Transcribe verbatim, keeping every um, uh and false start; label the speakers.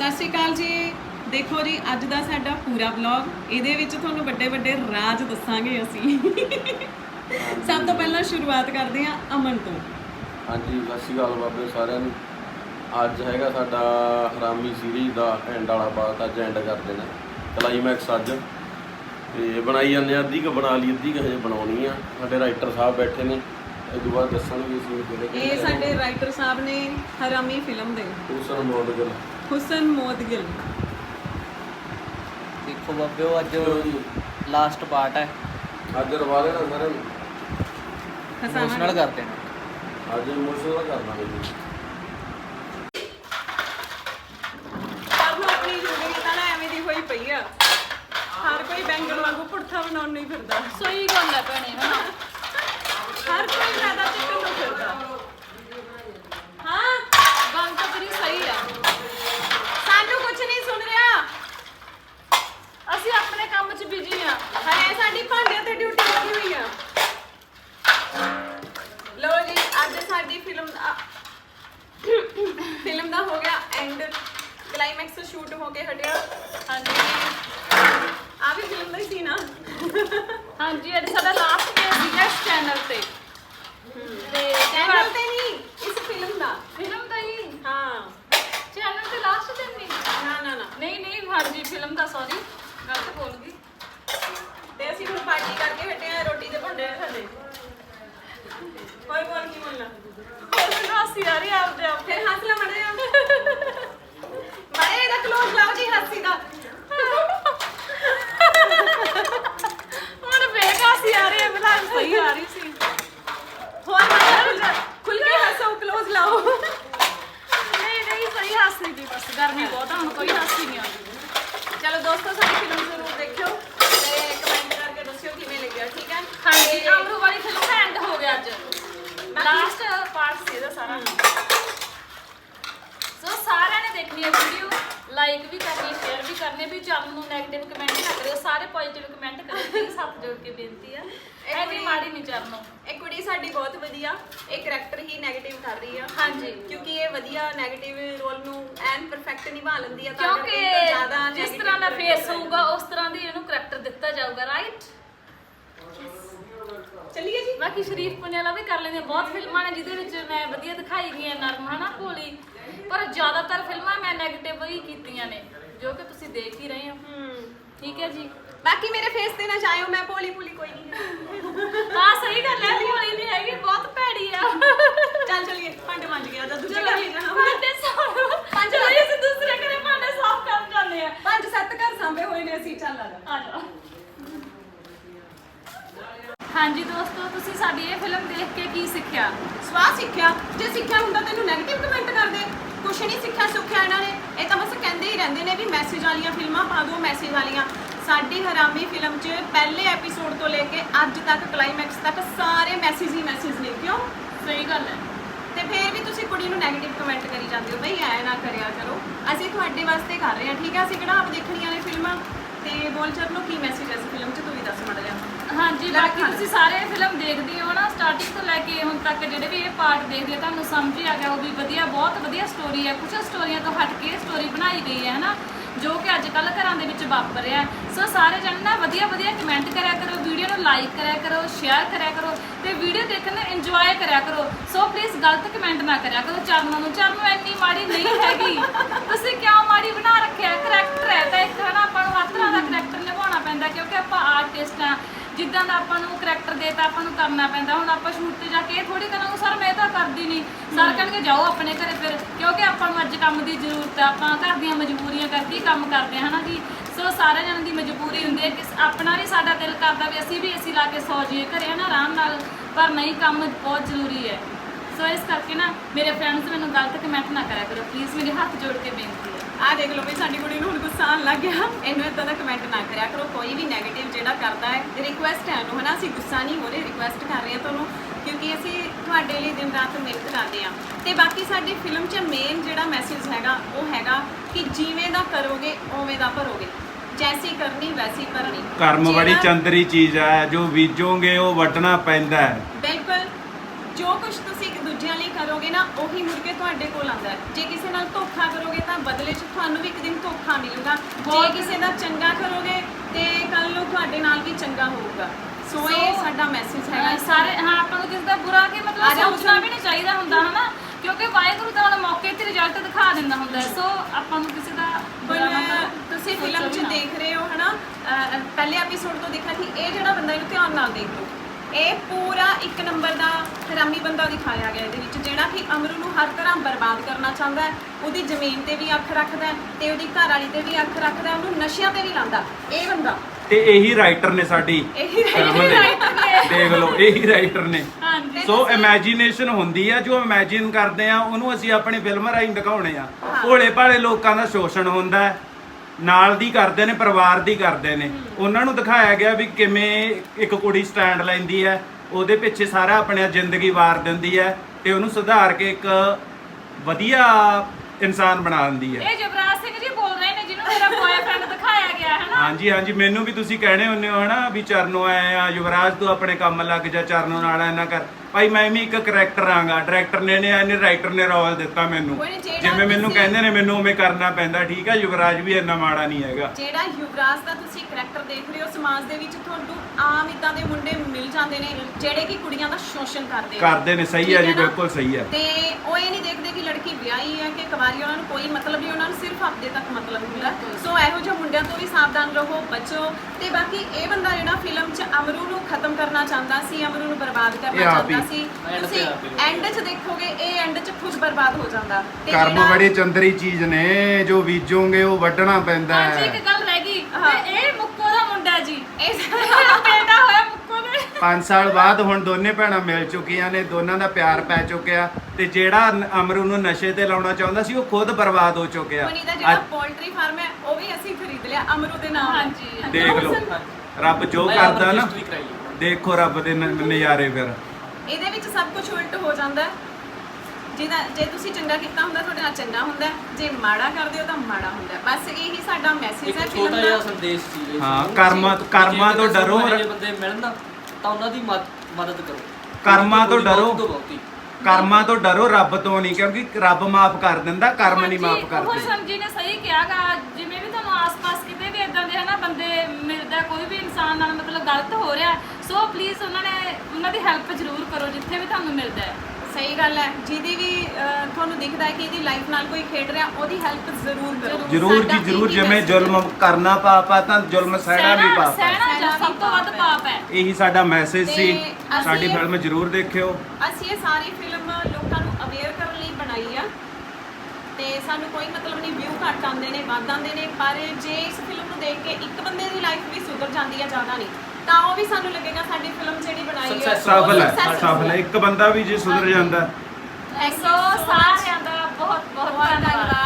Speaker 1: ਸਤਿ ਸ਼੍ਰੀ ਅਕਾਲ ਜੀ। ਦੇਖੋ ਜੀ ਅੱਜ ਦਾ ਸਾਡਾ ਪੂਰਾ ਵਲੌਗ, ਇਹਦੇ ਵਿੱਚ ਤੁਹਾਨੂੰ ਵੱਡੇ ਵੱਡੇ ਰਾਜ ਦੱਸਾਂਗੇ ਅਸੀਂ। ਸਭ ਤੋਂ ਪਹਿਲਾਂ ਸ਼ੁਰੂਆਤ ਕਰਦੇ ਹਾਂ ਅਮਨ ਤੋਂ।
Speaker 2: ਹਾਂਜੀ, ਸਤਿ ਸ਼੍ਰੀ ਅਕਾਲ ਬਾਬੇ ਸਾਰਿਆਂ ਨੂੰ। ਅੱਜ ਹੈਗਾ ਸਾਡਾ ਹਰਾਮੀ ਸੀਰੀਜ਼ ਦਾ ਐਂਡ ਵਾਲਾ ਪਾਰਟ। ਅੱਜ ਐਂਡ ਕਰ ਦੇਣਾ ਕਲਾਈਮੈਕਸ ਅੱਜ, ਤੇ ਬਣਾਈ ਜਾਂਦੇ ਆ। ਅੱਧੀ ਕੁ ਬਣਾ ਲਈ, ਅੱਧੀ ਕੁ ਹਜੇ ਬਣਾਉਣੀ ਆ। ਸਾਡੇ ਰਾਈਟਰ ਸਾਹਿਬ ਬੈਠੇ ਨੇ, ਇਹ ਤੋਂ ਬਾਅਦ ਦੱਸਣਗੇ ਸੀ ਕਿਹੜੇ।
Speaker 1: ਇਹ ਸਾਡੇ ਰਾਈਟਰ ਸਾਹਿਬ ਨੇ ਹਰਾਮੀ ਫਿਲਮ ਦੇ,
Speaker 2: ਹੁਸਨ ਮੋਦਗਿਲ।
Speaker 1: ਹੁਸਨ ਮੋਦਗਿਲ।
Speaker 3: ਦੇਖੋ ਬਾਬੇ ਉਹ ਅੱਜ ਲਾਸਟ ਪਾਰਟ ਹੈ।
Speaker 2: ਅੱਜ ਰਵਾ ਦੇਣਾ ਸਾਰਿਆਂ ਨੂੰ,
Speaker 3: ਇਮੋਸ਼ਨਲ ਕਰ ਦੇਣਾ।
Speaker 2: ਅੱਜ ਇਮੋਸ਼ਨਲ ਕਰਨਾ ਮੈਨੂੰ।
Speaker 1: ਸਭ ਨੂੰ ਆਪਣੀ ਜ਼ਿੰਦਗੀ ਤਾਂ ਨਾ ਐਵੇਂ ਦੀ ਹੋਈ ਪਈ ਆ, ਹਰ ਕੋਈ ਬੈਂਗਣ ਵਾਂਗੂ ਪੁੱਠਾ ਬਣਾਉਣ ਨਹੀਂ ਫਿਰਦਾ।
Speaker 4: ਸਹੀ ਗੱਲ ਹੈ ਭੈਣੇ, ਹਨਾ
Speaker 1: ਹਰ ਕੋਈ ਫਾਇਦਾ ਚੱਕਣ ਨੂੰ ਫਿਰਦਾ। ਹਾਂ
Speaker 4: ਗੱਲ ਤਾਂ ਤੇਰੀ ਸਹੀ ਆ।
Speaker 1: ਸਾਨੂੰ ਕੁਝ ਨਹੀਂ ਸੁਣ ਰਿਹਾ,
Speaker 4: ਅਸੀਂ ਆਪਣੇ ਕੰਮ 'ਚ ਬਿਜੀ ਆ।
Speaker 1: ਹੈ ਸਾਡੀ ਭਾਂਡਿਆਂ ਤੇ ਡਿਊਟੀ ਲੱਗੀ ਹੋਈ ਆ। ਲੋ ਜੀ ਅੱਜ ਸਾਡੀ ਫਿਲਮ ਦਾ ਫਿਲਮ ਦਾ ਹੋ ਗਿਆ ਐਂਡ, ਕਲਾਈਮੈਕਸ ਸ਼ੂਟ ਹੋ ਕੇ ਹਟਿਆ।
Speaker 4: ਹਾਂਜੀ
Speaker 1: ਆ ਵੀ ਫਿਲਮ ਦਾ ਹੀ ਸੀ ਨਾ।
Speaker 4: ਹਾਂਜੀ ਅੱਜ ਸਾਡਾ ਲਾਸਟ ਡੇ ਸੀਗਾ ਇਸ ਚੈਨਲ ਤੇ, ਤੇ
Speaker 1: ਚੈਨਲ ਤੇ ਨਹੀਂ, ਇਸ ਫਿਲਮ ਦਾ।
Speaker 4: ਫਿਲਮ ਦਾ ਹੀ
Speaker 1: ਹਾਂ
Speaker 4: ਚੈਨਲ ਤੇ ਲਾਸਟ ਦਿਨ ਨਹੀਂ।
Speaker 1: ਨਾ ਨਾ ਨਾ
Speaker 4: ਨਹੀਂ ਨਹੀਂ ਹਾਂਜੀ ਫਿਲਮ ਦਾ, ਸੌਰੀ ਗਲਤ ਬੋਲ ਗਈ।
Speaker 1: ਤੇ ਅਸੀਂ ਹੁਣ ਪਾਰਟੀ ਕਰਕੇ ਹਟੇ ਆ। ਰੋਟੀ ਦੇ ਭਾਂਡੇ ਆ ਸਾਡੇ। ਕੋਈ ਬੋਲ ਕੀ ਬੋਲਣਾ,
Speaker 4: ਮੈਨੂੰ ਹਾਸੀ ਆ ਰਹੀ ਆ ਆਪਦੇ ਆਪ।
Speaker 1: ਫਿਰ ਹੱਸ ਲਾ ਮੜੇ ਆ ਮਾਰੇ ਇਹਦਾ ਕਲੋਜ਼ ਲਾਓ ਜੀ ਹਾਸੀ ਦਾ।
Speaker 4: ਹੁਣ ਵੇਖ ਹਾਸੀ ਆ ਰਹੀ ਹੈ, ਬਲਾ ਸਹੀ ਆ ਰਹੀ ਸੀ।
Speaker 1: ਹੋਰ ਮਾਰੇ ਖੁੱਲ ਕੇ ਹੱਸੋ, ਕਲੋਜ਼ ਲਾਓ।
Speaker 4: ਨਹੀਂ ਨਹੀਂ ਸਹੀ ਹਾਸੀ ਦੀ, ਬਸ ਗਰਮੀ ਬਹੁਤ ਆ, ਹੁਣ ਕੋਈ ਹਾਸੀ ਨਹੀਂ ਆਉਂਦੀ।
Speaker 1: ਚਲੋ ਦੋਸਤੋ ਸਾਡੀ ਫਿਲਮ ਜ਼ਰੂਰ ਦੇਖਿਓ ਤੇ ਕਮੈਂਟ ਕਰਕੇ ਦੱਸਿਓ ਕਿਵੇਂ ਲੱਗਿਆ, ਠੀਕ ਹੈ।
Speaker 4: ਹਾਂਜੀ
Speaker 1: ਤੇ
Speaker 4: ਅਮਰੂ ਵਾਲੀ ਫਿਲਮ ਦਾ ਐਂਡ ਹੋ ਗਿਆ ਅੱਜ, ਲਾਸਟ ਪਾਰਟ ਸੀ ਇਹਦਾ ਸਾਰਾ। ਸੋ ਸਾਰਿਆਂ ਨੇ ਦੇਖਣੀ ਹੈ ਵੀਡੀਓ, ਲਾਈਕ ਵੀ ਕਰਨੀ, ਸ਼ੇਅਰ ਵੀ ਕਰਨੀ। ਵੀ ਚੈਨਲ ਨੂੰ ਨੈਗੇਟਿਵ ਕਮੈਂਟ ਨਾ ਕਰਿਓ, ਸਾਰੇ ਪੋਜ਼ਿਟਿਵ ਕਮੈਂਟ ਕਰਿਓ। ਪਲੀਜ਼ ਹੱਥ ਜੋੜ ਕੇ ਬੇਨਤੀ ਆ, ਐਨੀ ਮਾੜੀ ਨਹੀਂ ਚਰਨੋ।
Speaker 1: ਇਹ ਕੁੜੀ ਸਾਡੀ ਬਹੁਤ ਵਧੀਆ, ਇਹ ਕਰੈਕਟਰ ਹੀ ਨੈਗੇਟਿਵ ਕਰ ਰਹੀ ਆ।
Speaker 4: ਹਾਂਜੀ
Speaker 1: ਕਿਉਂਕਿ ਇਹ ਵਧੀਆ ਨੈਗੇਟਿਵ ਰੋਲ ਨੂੰ ਐਨ ਪਰਫੈਕਟ ਨਿਭਾ ਲੈਂਦੀ ਆ। ਤਾਂ
Speaker 4: ਕਿਉਂਕਿ
Speaker 1: ਕਰਕੇ ਇਹ ਤੋਂ ਜ਼ਿਆਦਾ
Speaker 4: ਜਿਸ
Speaker 1: negative
Speaker 4: ਤਰ੍ਹਾਂ ਦਾ
Speaker 1: ਕਰ
Speaker 4: ਫੇਸ
Speaker 1: ਰਹੀ ਆ।
Speaker 4: ਹੋਊਗਾ ਉਸ ਤਰ੍ਹਾਂ ਦੀ ਇਹਨੂੰ ਕਰੈਕਟਰ ਦਿੱਤਾ ਜਾਊਗਾ, ਰਾਈਟ।
Speaker 1: ਚੱਲੀਏ ਜੀ।
Speaker 4: ਬਾਕੀ ਸ਼ਰੀਫ ਪੁਨੇਲਾ ਵੀ ਕਰ ਲੈਂਦੇ ਆ। ਬਹੁਤ ਫਿਲਮਾਂ ਨੇ ਜਿਹਦੇ ਵਿੱਚ ਮੈਂ ਵਧੀਆ ਦਿਖਾਈ ਗਈ ਹੈ, ਨਰਮ ਹਨਾ, ਭੋਲੀ, ਪਰ ਜ਼ਿਆਦਾਤਰ ਫਿਲਮਾਂ ਮੈਂ ਨੈਗੇਟਿਵ ਹੀ ਕੀਤੀਆਂ ਨੇ, ਜੋ ਕਿ ਤੁਸੀਂ ਦੇਖ ਹੀ ਰਹੇ ਹੋ।
Speaker 1: ਹੂੰ
Speaker 4: ਠੀਕ ਹੈ ਜੀ।
Speaker 1: ਬਾਕੀ ਮੇਰੇ ਫੇਸ ਤੇ ਨਾ ਜਾਇਓ, ਮੈਂ ਭੋਲੀ ਭੋਲੀ ਕੋਈ ਨਹੀਂ।
Speaker 4: ਹਾਂ ਸਹੀ ਗੱਲ ਹੈ, ਭੋਲੀ ਨਹੀਂ ਹੈਗੀ, ਬਹੁਤ ਭੈੜੀ ਆ।
Speaker 1: ਚੱਲ ਚਲੀਏ, ਭਾਂਡੇ ਮੰਜ ਗਿਆ ਤਾਂ ਦੂਜੇ
Speaker 4: ਚਲੋ
Speaker 1: ਘਰ ਹੀ ਜਾਣਾ।
Speaker 4: ਭਾਂਡੇ ਸਾਫ਼,
Speaker 1: ਪੰਜ
Speaker 4: ਚਲੋ ਅਸੀਂ ਦੂਸਰੇ ਘਰੇ ਭਾਂਡੇ ਸਾਫ਼ ਕਰਨ ਜਾਂਦੇ ਆ।
Speaker 1: ਪੰਜ ਸੱਤ ਘਰ ਸਾਂਭੇ ਹੋਏ ਨੇ ਅਸੀਂ, ਚੱਲ ਆ ਜਾ।
Speaker 4: ਆ ਜਾਓ। ਹਾਂਜੀ ਦੋਸਤੋ, ਤੁਸੀਂ ਸਾਡੀ ਇਹ ਫਿਲਮ ਦੇਖ ਕੇ ਕੀ ਸਿੱਖਿਆ?
Speaker 1: ਸਵਾਹ ਸਿੱਖਿਆ। ਜੇ ਸਿੱਖਿਆ ਹੁੰਦਾ ਤੈਨੂੰ ਨੈਗੇਟਿਵ ਕਮੈਂਟ ਕਰਦੇ। ਕੁਛ ਨਹੀਂ ਸਿੱਖਿਆ ਸੁੱਖਿਆ ਇਹਨਾਂ ਨੇ। ਇਹ ਤਾਂ ਬਸ ਕਹਿੰਦੇ ਹੀ ਰਹਿੰਦੇ ਨੇ ਵੀ ਮੈਸੇਜ ਵਾਲੀਆਂ ਫਿਲਮਾਂ ਪਾ ਦਿਓ, ਮੈਸੇਜ ਵਾਲੀਆਂ। ਸਾਡੀ ਹਰਾਮੀ ਫਿਲਮ 'ਚ ਪਹਿਲੇ ਐਪੀਸੋਡ ਤੋਂ ਲੈ ਕੇ ਅੱਜ ਤੱਕ ਕਲਾਈਮੈਕਸ ਤੱਕ ਸਾਰੇ ਮੈਸੇਜ ਹੀ ਮੈਸੇਜ ਨੇ। ਕਿਉਂ?
Speaker 4: ਸਹੀ ਗੱਲ ਹੈ।
Speaker 1: ਤੇ ਫੇਰ ਵੀ ਤੁਸੀਂ ਕੁੜੀ ਨੂੰ ਨੈਗੇਟਿਵ ਕਮੈਂਟ ਕਰੀ ਜਾਂਦੇ ਹੋ। ਬਈ ਐ ਨਾ ਕਰਿਆ ਕਰੋ, ਅਸੀਂ ਤੁਹਾਡੇ ਵਾਸਤੇ ਕਰ ਰਹੇ ਹਾਂ, ਠੀਕ ਹੈ। ਅਸੀਂ ਕਿਹੜਾ ਆਪ ਦੇਖਣੀਆਂ ਨੇ ਫਿਲਮਾਂ। ਤੇ ਬੋਲ ਚੱਲੋ ਕੀ ਮੈਸੇਜ ਹੈ ਇਸ ਫਿਲਮ 'ਚ, ਤੂੰ ਵੀ ਦੱਸ ਮਾੜਾ ਜਿਹਾ।
Speaker 4: ਹਾਂਜੀ ਬਾਕੀ ਤੁਸੀਂ ਸਾਰੇ ਫਿਲਮ ਦੇਖਦੇ ਹੋ ਨਾ, ਸਟਾਰਟਿੰਗ ਤੋਂ ਲੈ ਕੇ ਹੁਣ ਤੱਕ ਜਿਹੜੇ ਵੀ ਇਹ ਪਾਰਟ ਦੇਖਦੇ ਹੋ, ਤੁਹਾਨੂੰ ਸਮਝ ਹੀ ਆ ਗਿਆ ਉਹ ਵੀ ਵਧੀਆ, ਬਹੁਤ ਵਧੀਆ ਸਟੋਰੀ ਹੈ। ਕੁਝ ਸਟੋਰੀਆਂ ਤੋਂ ਹਟ ਕੇ ਸਟੋਰੀ ਬਣਾਈ ਗਈ ਹੈ ਹਨਾ, ਜੋ ਕਿ ਅੱਜ ਕੱਲ੍ਹ ਘਰਾਂ ਦੇ ਵਿੱਚ ਵਾਪਰ ਰਿਹਾ। ਸੋ ਸਾਰੇ ਜਣੇ ਨਾ ਵਧੀਆ ਵਧੀਆ ਕਮੈਂਟ ਕਰਿਆ ਕਰੋ, ਵੀਡੀਓ ਨੂੰ ਲਾਈਕ ਕਰਿਆ ਕਰੋ, ਸ਼ੇਅਰ ਕਰਿਆ ਕਰੋ, ਤੇ ਵੀਡੀਓ ਦੇਖਣ ਨੂੰ ਇੰਜੋਏ ਕਰਿਆ ਕਰੋ। ਸੋ ਪਲੀਜ਼ ਗਲਤ ਕਮੈਂਟ ਨਾ ਕਰਿਆ ਕਰੋ ਚਰਨੋਂ ਨੂੰ। ਚਰਨੋਂ ਇੰਨੀ ਮਾੜੀ ਨਹੀਂ ਹੈਗੀ, ਤੁਸੀਂ ਕਿਉਂ ਮਾੜੀ ਬਣਾ ਰੱਖਿਆ? ਕਰੈਕਟਰ ਹੈ ਤਾਂ ਇੱਕ ਹਨਾ, ਆਪਾਂ ਨੂੰ ਹਰ ਤਰ੍ਹਾਂ ਦਾ ਕਰੈਕਟਰ ਨਿਭਾਉਣਾ ਪੈਂਦਾ, ਕਿਉਂਕਿ ਆਪਾਂ ਆਰਟਿਸਟ ਹਾਂ। ਜਿੱਦਾਂ ਦਾ ਆਪਾਂ ਨੂੰ ਕਰੈਕਟਰ ਦੇਤਾ ਆਪਾਂ ਨੂੰ ਕਰਨਾ ਪੈਂਦਾ। ਹੁਣ ਆਪਾਂ ਸ਼ੂਟ ਤੇ ਜਾ ਕੇ ਇਹ ਥੋੜੀ ਕਰਾਂਗੇ ਸਰ ਮੈਂ ਤਾਂ ਕਰਦੀ ਨਹੀਂ, ਸਰ ਕਹਿਣਗੇ ਜਾਓ ਆਪਣੇ ਘਰੇ ਫਿਰ, ਕਿਉਂਕਿ ਆਪਾਂ ਨੂੰ ਅੱਜ ਕੰਮ ਦੀ ਜ਼ਰੂਰਤ ਆ, ਆਪਾਂ ਘਰ ਦੀਆਂ ਮਜਬੂਰੀਆਂ ਕਰਕੇ ਹੀ ਕੰਮ ਕਰਦੇ ਹਾਂ ਹਨਾ ਜੀ। ਸੋ ਸਾਰੇ ਜਣਾਂ ਦੀ ਮਜਬੂਰੀ ਹੁੰਦੀ ਹੈ ਕਿ ਆਪਣਾ ਵੀ ਸਾਡਾ ਦਿਲ ਕਰਦਾ ਵੀ ਅਸੀਂ ਵੀ ਏਸੀ ਲਾ ਕੇ ਸੌ ਜਾਈਏ ਘਰੇ ਨਾ ਆਰਾਮ ਨਾਲ, ਪਰ ਨਹੀਂ, ਕੰਮ ਬਹੁਤ ਜ਼ਰੂਰੀ ਹੈ। ਸੋ ਇਸ ਕਰਕੇ ਨਾ ਮੇਰੇ ਫਰੈਂਡਸ ਮੈਨੂੰ ਗਲਤ ਕਮੈਂਟ ਨਾ ਕਰਿਆ ਕਰੋ ਪਲੀਜ਼, ਮੇਰੇ ਹੱਥ ਜੋੜ ਕੇ ਬੇਨਤੀ ਹੈ।
Speaker 1: ਆਹ ਦੇਖ ਲਓ ਵੀ ਸਾਡੀ ਕੁੜੀ ਨੂੰ ਹੁਣ ਗੁੱਸਾ ਆਉਣ ਲੱਗ ਗਿਆ। ਇਹਨੂੰ ਇਦਾਂ ਦਾ ਕਮੈਂਟ ਨਾ ਕਰਿਆ ਕਰੋ। ਕੋਈ ਵੀ ਨੈਗੇਟਿਵ ਜਿਹੜਾ ਕਰਦਾ ਹੈ, ਰਿਕੁਐਸਟ ਹੈ ਉਹਨੂੰ ਹਨਾ, ਅਸੀਂ ਗੁੱਸਾ ਨਹੀਂ ਹੋ ਰਹੇ, ਰਿਕੁਐਸਟ ਕਰ ਰਹੇ ਹਾਂ ਤੁਹਾਨੂੰ, ਕਿਉਂਕਿ ਅਸੀਂ ਤੁਹਾਡੇ ਲਈ ਦਿਨ ਰਾਤ ਮਿਹਨਤ ਕਰਦੇ ਹਾਂ। ਤੇ ਬਾਕੀ ਸਾਡੀ ਫਿਲਮ 'ਚ ਮੇਨ ਜਿਹੜਾ ਮੈਸੇਜ ਹੈਗਾ ਉਹ ਹੈਗਾ ਕਿ ਜਿਵੇਂ ਦਾ ਕਰੋਗੇ ਉਵੇਂ ਦਾ ਭਰੋਗੇ, ਜੈਸੀ ਕਰਨੀ ਵੈਸੀ ਭਰਨੀ।
Speaker 5: ਕਰਮ ਬੜੀ ਚੰਦਰੀ ਚੀਜ਼ ਹੈ, ਜੋ ਬੀਜੋਗੇ ਉਹ ਵੱਢਣਾ ਪੈਂਦਾ ਹੈ।
Speaker 1: ਬਿਲਕੁਲ, ਜੋ ਕੁਝ ਤੁਸੀਂ ਦੂਜਿਆਂ ਲਈ ਕਰੋਗੇ ਨਾ ਉਹੀ ਮੁੜ ਕੇ ਤੁਹਾਡੇ ਕੋਲ ਆਉਂਦਾ ਹੈ। ਜੇ ਕਿਸੇ ਨਾਲ ਧੋਖਾ ਕਰੋਗੇ ਤਾਂ ਬਦਲੇ 'ਚ ਤੁਹਾਨੂੰ ਵੀ
Speaker 4: ਬਹੁਤ-
Speaker 1: ਕਿਸੇ ਦਾ ਚੰਗਾ ਕਰੋਗੇ ਤੇ ਕੱਲ ਨੂੰ ਤੁਹਾਡੇ ਨਾਲ ਵੀ ਚੰਗਾ ਹੋਊਗਾ। ਸੋ ਇਹ
Speaker 4: ਸੋ,
Speaker 1: ਸਾਡਾ ਮੈਸੇਜ ਹੈਗਾ।
Speaker 4: ਸਾਰੇ ਹਾਂ ਆਪਾਂ ਨੂੰ ਕਿਸੇ ਦਾ ਬੁਰਾ ਕਿ
Speaker 1: ਆ
Speaker 4: ਮਤਲਬ
Speaker 1: ਜਾਓ
Speaker 4: ਸੋਚਣਾ
Speaker 1: ਤੁਸੀਂ।
Speaker 4: ਵੀ ਨਹੀਂ ਚਾਹੀਦਾ ਹੁੰਦਾ ਹਨਾ, ਕਿਉਂਕਿ ਵਾਹਿਗੁਰੂ ਤਾਂ ਮੌਕੇ ਤੇ ਰਿਜ਼ਲਟ ਦਿਖਾ ਦਿੰਦਾ ਹੁੰਦਾ ਹੈ। ਸੋ ਆਪਾਂ ਨੂੰ ਕਿਸੇ ਦਾ ਬੁਰਾ
Speaker 1: ਹੁਣ
Speaker 4: ਮਤਲਬ
Speaker 1: ਤੁਸੀਂ
Speaker 4: ਸੋਚੋ
Speaker 1: ਫਿਲਮ 'ਚ
Speaker 4: ਵੀ ਨਾ।
Speaker 1: ਦੇਖ ਰਹੇ ਹੋ ਹਨਾ, ਅਹ, ਪਹਿਲੇ ਐਪੀਸੋਡ ਤੋਂ ਦੇਖਿਆ ਕਿ ਇਹ ਜਿਹੜਾ ਬੰਦਾ, ਇਹਨੂੰ ਧਿਆਨ ਨਾਲ ਦੇਖ ਲਓ, ਇਹ ਪੂਰਾ ਇੱਕ ਨੰਬਰ ਦਾ ਹਰਾਮੀ ਬੰਦਾ ਦਿਖਾਇਆ ਗਿਆ ਇਹਦੇ ਵਿੱਚ, ਜਿਹੜਾ ਕਿ ਅਮਰੂ ਨੂੰ ਹਰ ਤਰ੍ਹਾਂ ਬਰਬਾਦ ਕਰਨਾ ਚਾਹੁੰਦਾ ਹੈ। ਉਹਦੀ ਜ਼ਮੀਨ ਤੇ ਵੀ ਅੱਖ ਰੱਖਦਾ ਹੈ ਤੇ ਉਹਦੀ ਘਰ ਵਾਲੀ ਤੇ ਵੀ ਅੱਖ ਰੱਖਦਾ ਹੈ, ਉਹਨੂੰ ਨਸ਼ਿਆਂ ਤੇ ਵੀ ਲਾਉਂਦਾ ਇਹ ਬੰਦਾ।
Speaker 5: ਤੇ ਇਹੀ ਰਾਈਟਰ ਨੇ ਸਾਡੀ
Speaker 1: ਇਹੀ
Speaker 5: ਫਿਲਮ ਦੇ। ਦੇਖ ਲਓ ਇਹੀ ਰਾਈਟਰ ਨੇ।
Speaker 4: ਹਾਂਜੀ
Speaker 5: ਸੋ ਇਮੇਜਿਨੇਸ਼ਨ ਹੁੰਦੀ ਆ, ਜੋ ਇਮੇਜਿਨ ਕਰਦੇ ਆ ਉਹਨੂੰ ਅਸੀਂ ਆਪਣੀ ਫਿਲਮ ਰਾਹੀਂ ਦਿਖਾਉਣੇ ਆ। ਭੋਲੇ ਭਾਲੇ ਲੋਕਾਂ ਦਾ ਸ਼ੋਸ਼ਣ ਹੁੰਦਾ ਹੈ, ਨਾਲ ਦੀ ਕਰਦੇ ਨੇ, ਪਰਿਵਾਰ ਦੀ ਕਰਦੇ ਨੇ। ਉਹਨਾਂ ਨੂੰ ਦਿਖਾਇਆ ਗਿਆ ਵੀ ਕਿਵੇਂ ਇੱਕ ਕੁੜੀ ਸਟੈਂਡ ਲੈਂਦੀ ਹੈ, ਉਹਦੇ ਪਿੱਛੇ ਸਾਰਾ ਆਪਣੀ ਜ਼ਿੰਦਗੀ ਵਾਰ ਦਿੰਦੀ ਹੈ ਤੇ ਉਹਨੂੰ ਸੁਧਾਰ ਕੇ ਇੱਕ ਵਧੀਆ ਇਨਸਾਨ ਬਣਾ ਦਿੰਦੀ ਹੈ।
Speaker 4: ਇਹ ਜਵਰਾਜ ਸਿੰਘ ਜੀ ਬੋਲ ਰਹੇ ਨੇ, ਜਿਹਨੂੰ ਮੇਰਾ ਬॉयਫ੍ਰੈਂਡ ਦਿਖਾਇਆ ਗਿਆ ਹੈ ਨਾ।
Speaker 5: ਹਾਂਜੀ ਹਾਂਜੀ, ਮੈਨੂੰ ਵੀ ਤੁਸੀਂ ਕਹਿਣੇ ਹੁੰਦੇ ਹੋ ਨਾ ਵੀ ਚਰਨੋਂ ਆਏ ਆ, ਯੁਵਰਾਜ ਤੂੰ ਆਪਣੇ ਕੰਮ ਲੱਗ ਜਾ, ਚਰਨੋਂ ਨਾਲ ਐ ਨਾ ਕਰ। ਭਾਈ ਮੈਂ ਵੀ ਇੱਕ ਕਰੈਕਟਰ ਆਂਗਾ, ਡਾਇਰੈਕਟਰ ਨੇ ਨੇ ਇਹਨੇ ਰਾਈਟਰ ਨੇ ਰੋਲ ਦਿੱਤਾ ਮੈਨੂੰ,
Speaker 1: ਕੋਈ ਜਿਹੜਾ
Speaker 5: ਜਿਵੇਂ ਮੈਨੂੰ
Speaker 1: ਤੁਸੀਂ-
Speaker 5: ਕਹਿੰਦੇ ਨੇ ਮੈਨੂੰ ਉਵੇਂ ਕਰਨਾ ਪੈਂਦਾ। ਠੀਕ ਹੈ, ਯੁਵਰਾਜ ਵੀ ਇੰਨਾ ਮਾੜਾ ਨਹੀਂ ਹੈਗਾ।
Speaker 1: ਜਿਹੜਾ ਯੁਵਰਾਜ ਦਾ ਤੁਸੀਂ ਕਰੈਕਟਰ ਦੇਖ ਰਹੇ ਹੋ, ਸਮਾਜ ਦੇ ਵਿੱਚ ਤੁਹਾਨੂੰ ਆਮ ਇਦਾਂ ਦੇ ਮੁੰਡੇ ਮਿਲ ਜਾਂਦੇ ਨੇ ਜਿਹੜੇ ਕਿ ਕੁੜੀਆਂ ਦਾ ਸ਼ੋਸ਼ਣ ਕਰਦੇ ਨੇ।
Speaker 5: ਕਰਦੇ ਨੇ, ਸਹੀ
Speaker 1: ਠੀਕ
Speaker 5: ਹੈ ਜੀ,
Speaker 1: ਨਾ?
Speaker 5: ਬਿਲਕੁਲ ਸਹੀ ਹੈ।
Speaker 1: ਤੇ ਉਹ ਇਹ ਨਹੀਂ ਦੇਖਦੇ ਕਿ ਲੜਕੀ ਵਿਆਹੀ ਹੈ ਕਿ ਕੁਵਾਰੀ, ਉਹਨਾਂ ਨੂੰ ਕੋਈ ਮਤਲਬ ਨਹੀਂ, ਉਹਨਾਂ ਨੂੰ ਸਿਰਫ ਆਪਦੇ ਤੱਕ ਮਤਲਬ ਹੁੰਦਾ। ਸੋ ਇਹੋ ਜਿਹੇ ਮੁੰਡਿਆਂ ਤੋਂ ਵੀ ਸਾਵਧਾਨ ਰਹੋ, ਬਚੋ। ਤੇ ਬਾਕੀ ਇਹ ਬੰਦਾ ਜਿਹੜਾ ਫਿਲਮ 'ਚ ਅਮਰੂ ਨੂੰ ਖਤਮ ਕਰਨਾ ਚਾਹੁੰਦਾ ਸੀ, ਅਮਰੂ ਨੂੰ ਬਰਬਾਦ ਕਰਨਾ
Speaker 5: ਇਹ ਆਪ ਹੀ।
Speaker 1: ਚਾਹੁੰਦਾ ਸੀ,
Speaker 3: End ਤੇ
Speaker 1: ਤੁਸੀਂ
Speaker 3: ਆਪ ਹੀ।
Speaker 1: ਐਂਡ 'ਚ ਦੇਖੋਗੇ ਇਹ ਐਂਡ 'ਚ ਖੁਦ ਬਰਬਾਦ ਹੋ ਜਾਂਦਾ। ਤੇ
Speaker 5: ਕਰਮ
Speaker 1: ਜਿਹੜਾ-
Speaker 5: ਬੜੀ ਚੰਦਰੀ ਚੀਜ਼ ਨੇ, ਜੋ ਬੀਜੋਗੇ ਉਹ ਵੱਢਣਾ ਪੈਂਦਾ
Speaker 4: ਹਾਂਜੀ
Speaker 5: ਹੈ।
Speaker 4: ਇੱਕ ਗੱਲ ਰਹਿ ਗਈ,
Speaker 1: ਹਾਂ।
Speaker 4: ਤੇ ਇਹ ਮੁੱਕੋ ਦਾ ਮੁੰਡਾ ਜੀ,
Speaker 1: ਇਹ
Speaker 4: ਪੈਦਾ ਹੋਇਆ ਮੁੱਕੋ ਦੇ।
Speaker 5: ਪੰਜ ਸਾਲ ਬਾਅਦ ਹੁਣ ਦੋਨੇ ਭੈਣਾਂ ਮਿਲ ਚੁੱਕੀਆਂ ਨੇ, ਦੋਨਾਂ ਦਾ ਪਿਆਰ ਪੈ ਚੁੱਕਿਆ ਤੇ ਜਿਹੜਾ ਨ- ਅਮਰੂ ਨੂੰ ਨਸ਼ੇ ਤੇ ਲਾਉਣਾ ਚਾਹੁੰਦਾ ਸੀ ਉਹ ਖੁਦ ਬਰਬਾਦ ਹੋ ਚੁੱਕਿਆ।
Speaker 1: ਮਨੀ ਦਾ ਜਿਹੜਾ
Speaker 5: ਅੱਜ
Speaker 1: ਪੋਲਟਰੀ ਫਾਰਮ ਹੈ ਉਹ ਵੀ ਅਸੀਂ ਖਰੀਦ ਲਿਆ ਅਮਰੂ ਦੇ ਨਾਮ।
Speaker 4: ਹਾਂਜੀ।
Speaker 5: ਦੇਖ ਲਓ ਰੱਬ ਜੋ
Speaker 3: ਮੈਂ
Speaker 5: ਕਰਦਾ
Speaker 3: ਆਪ
Speaker 5: ਨਾ,
Speaker 3: history ਕਰਾਈ ਹੈ।
Speaker 5: ਦੇਖੋ ਰੱਬ ਦੇ ਨ- ਨਜ਼ਾਰੇ ਫਿਰ।
Speaker 1: ਇਹਦੇ ਵਿੱਚ ਸਭ ਕੁਝ ਉਲਟ ਹੋ ਜਾਂਦਾ ਹੈ। ਜਿਹਦਾ ਜੇ ਤੁਸੀਂ ਚੰਗਾ ਕੀਤਾ ਹੁੰਦਾ ਤੁਹਾਡੇ ਨਾਲ ਚੰਗਾ ਹੁੰਦਾ ਹੈ, ਜੇ ਮਾੜਾ ਕਰਦੇ ਹੋ ਤਾਂ ਮਾੜਾ ਹੁੰਦਾ ਹੈ। ਬਸ ਇਹੀ ਸਾਡਾ ਮੈਸੇਜ
Speaker 3: ਇੱਕ
Speaker 1: ਹੈ
Speaker 3: ਛੋਟਾ
Speaker 1: ਫਿਲਮ
Speaker 3: ਜਿਹਾ
Speaker 1: ਦਾ।
Speaker 3: ਸੰਦੇਸ਼ ਸੀ ਇਹ
Speaker 5: ਹਾਂ,
Speaker 3: ਸਾਨੂੰ।
Speaker 5: ਕਰਮਾਂ-
Speaker 3: ਜੇ
Speaker 5: ਕਰਮਾਂ ਤੋਂ
Speaker 3: ਕਿਸੇ ਨੂੰ
Speaker 5: ਡਰੋ।
Speaker 3: ਇਹੋ ਜਿਹੇ ਬੰਦੇ ਮਿਲਣ ਨਾ, ਤਾਂ ਉਹਨਾਂ ਦੀ ਮਦ- ਮਦਦ ਕਰੋ।
Speaker 5: ਕਰਮਾਂ ਤੋਂ
Speaker 3: ਥੋੜ੍ਹੀ ਬਹੁਤ
Speaker 5: ਡਰੋ।
Speaker 3: ਤੋਂ ਬਹੁਤੀ।
Speaker 5: ਕਰਮਾਂ ਤੋਂ ਡਰੋ, ਰੱਬ ਤੋਂ ਨਹੀਂ, ਕਿਉਂਕਿ ਰੱਬ ਮਾਫ ਕਰ ਦਿੰਦਾ, ਕਰਮ ਨਹੀਂ ਮਾਫ
Speaker 4: ਹਾਂਜੀ,
Speaker 5: ਕਰਦੇ।
Speaker 4: ਉਹ ਸੰਜੀ ਨੇ ਸਹੀ ਕਿਹਾਗਾ। ਜਿਵੇਂ ਵੀ ਤੁਹਾਨੂੰ ਆਸ-ਪਾਸ ਕਿਤੇ ਵੀ ਇਦਾਂ ਦੇ ਹਨਾ ਬੰਦੇ ਮਿਲਦਾ, ਕੋਈ ਵੀ ਇਨਸਾਨ ਨਾਲ ਮਤਲਬ ਗਲਤ ਹੋ ਰਿਹਾ, ਸੋ ਪਲੀਜ਼ ਉਹਨਾਂ ਨੇ ਉਹਨਾਂ ਦੀ ਹੈਲਪ ਜ਼ਰੂਰ ਕਰੋ ਜਿੱਥੇ ਵੀ ਤੁਹਾਨੂੰ ਮਿਲਦਾ ਹੈ।
Speaker 1: ਸਹੀ ਗੱਲ ਹੈ। ਜਿਹਦੀ ਵੀ ਅਹ, ਤੁਹਾਨੂੰ ਦਿਖਦਾ ਹੈ ਕਿ ਇਹਦੀ ਲਾਈਫ ਨਾਲ ਕੋਈ ਖੇਡ ਰਿਹਾ, ਉਹਦੀ ਹੈਲਪ ਜ਼ਰੂਰ ਕਰੋ।
Speaker 5: ਜ਼ਰੂਰ
Speaker 1: ਸਾਡਾ
Speaker 5: ਜੀ ਜ਼ਰੂਰ,
Speaker 1: ਇਹੀ
Speaker 5: ਜਿਵੇਂ
Speaker 1: message
Speaker 5: ਜ਼ੁਲਮ ਕਰਨਾ ਪਾਪ ਆ ਤਾਂ ਜ਼ੁਲਮ ਸਹਿਣਾ ਵੀ ਪਾਪ ਆ।
Speaker 4: ਸਹਿਣਾ ਜਾਂ ਸਭ ਤੋਂ ਵੱਧ ਪਾਪ ਹੈ।
Speaker 5: ਇਹੀ ਸਾਡਾ ਮੈਸੇਜ
Speaker 1: ਤੇ
Speaker 5: ਸੀ।
Speaker 1: ਅਸੀਂ-
Speaker 5: ਸਾਡੀ ਫਿਲਮ ਜ਼ਰੂਰ ਦੇਖਿਓ।
Speaker 1: ਅਸੀਂ ਇਹ ਸਾਰੀ ਫਿਲਮ ਲੋਕਾਂ ਨੂੰ ਅਵੇਅਰ ਕਰਨ ਲਈ ਬਣਾਈ ਆ ਤੇ ਸਾਨੂੰ ਕੋਈ ਮਤਲਬ ਨਹੀਂ ਵਿਊ ਘੱਟ ਆਉਂਦੇ ਨੇ, ਵੱਧ ਆਉਂਦੇ ਨੇ, ਪਰ ਜੇ ਇਸ ਫਿਲਮ ਨੂੰ ਦੇਖ ਕੇ ਇੱਕ ਬੰਦੇ ਦੀ ਲਾਈਫ ਵੀ ਸੁਧਰ ਜਾਂਦੀ ਹੈ, ਜ਼ਿਆਦਾ ਨਹੀਂ, ਤਾਂ ਉਹ ਵੀ ਸਾਨੂੰ ਲੱਗੇਗਾ ਸਾਡੀ ਫਿਲਮ ਜਿਹੜੀ ਬਣਾਈ ਹੈ
Speaker 3: Success-
Speaker 1: ਉਹ
Speaker 5: ਸਫਲ ਹੈ,
Speaker 1: successful
Speaker 5: ਸਫਲ ਹੈ। ਇੱਕ ਬੰਦਾ ਵੀ ਜੇ ਸੁਧਰ ਜਾਂਦਾ
Speaker 4: ਸੋ ਸਾਰਿਆਂ ਦਾ ਬਹੁਤ ਬਹੁਤ
Speaker 1: ਬਹੁਤ
Speaker 4: ਧੰਨਵਾਦ।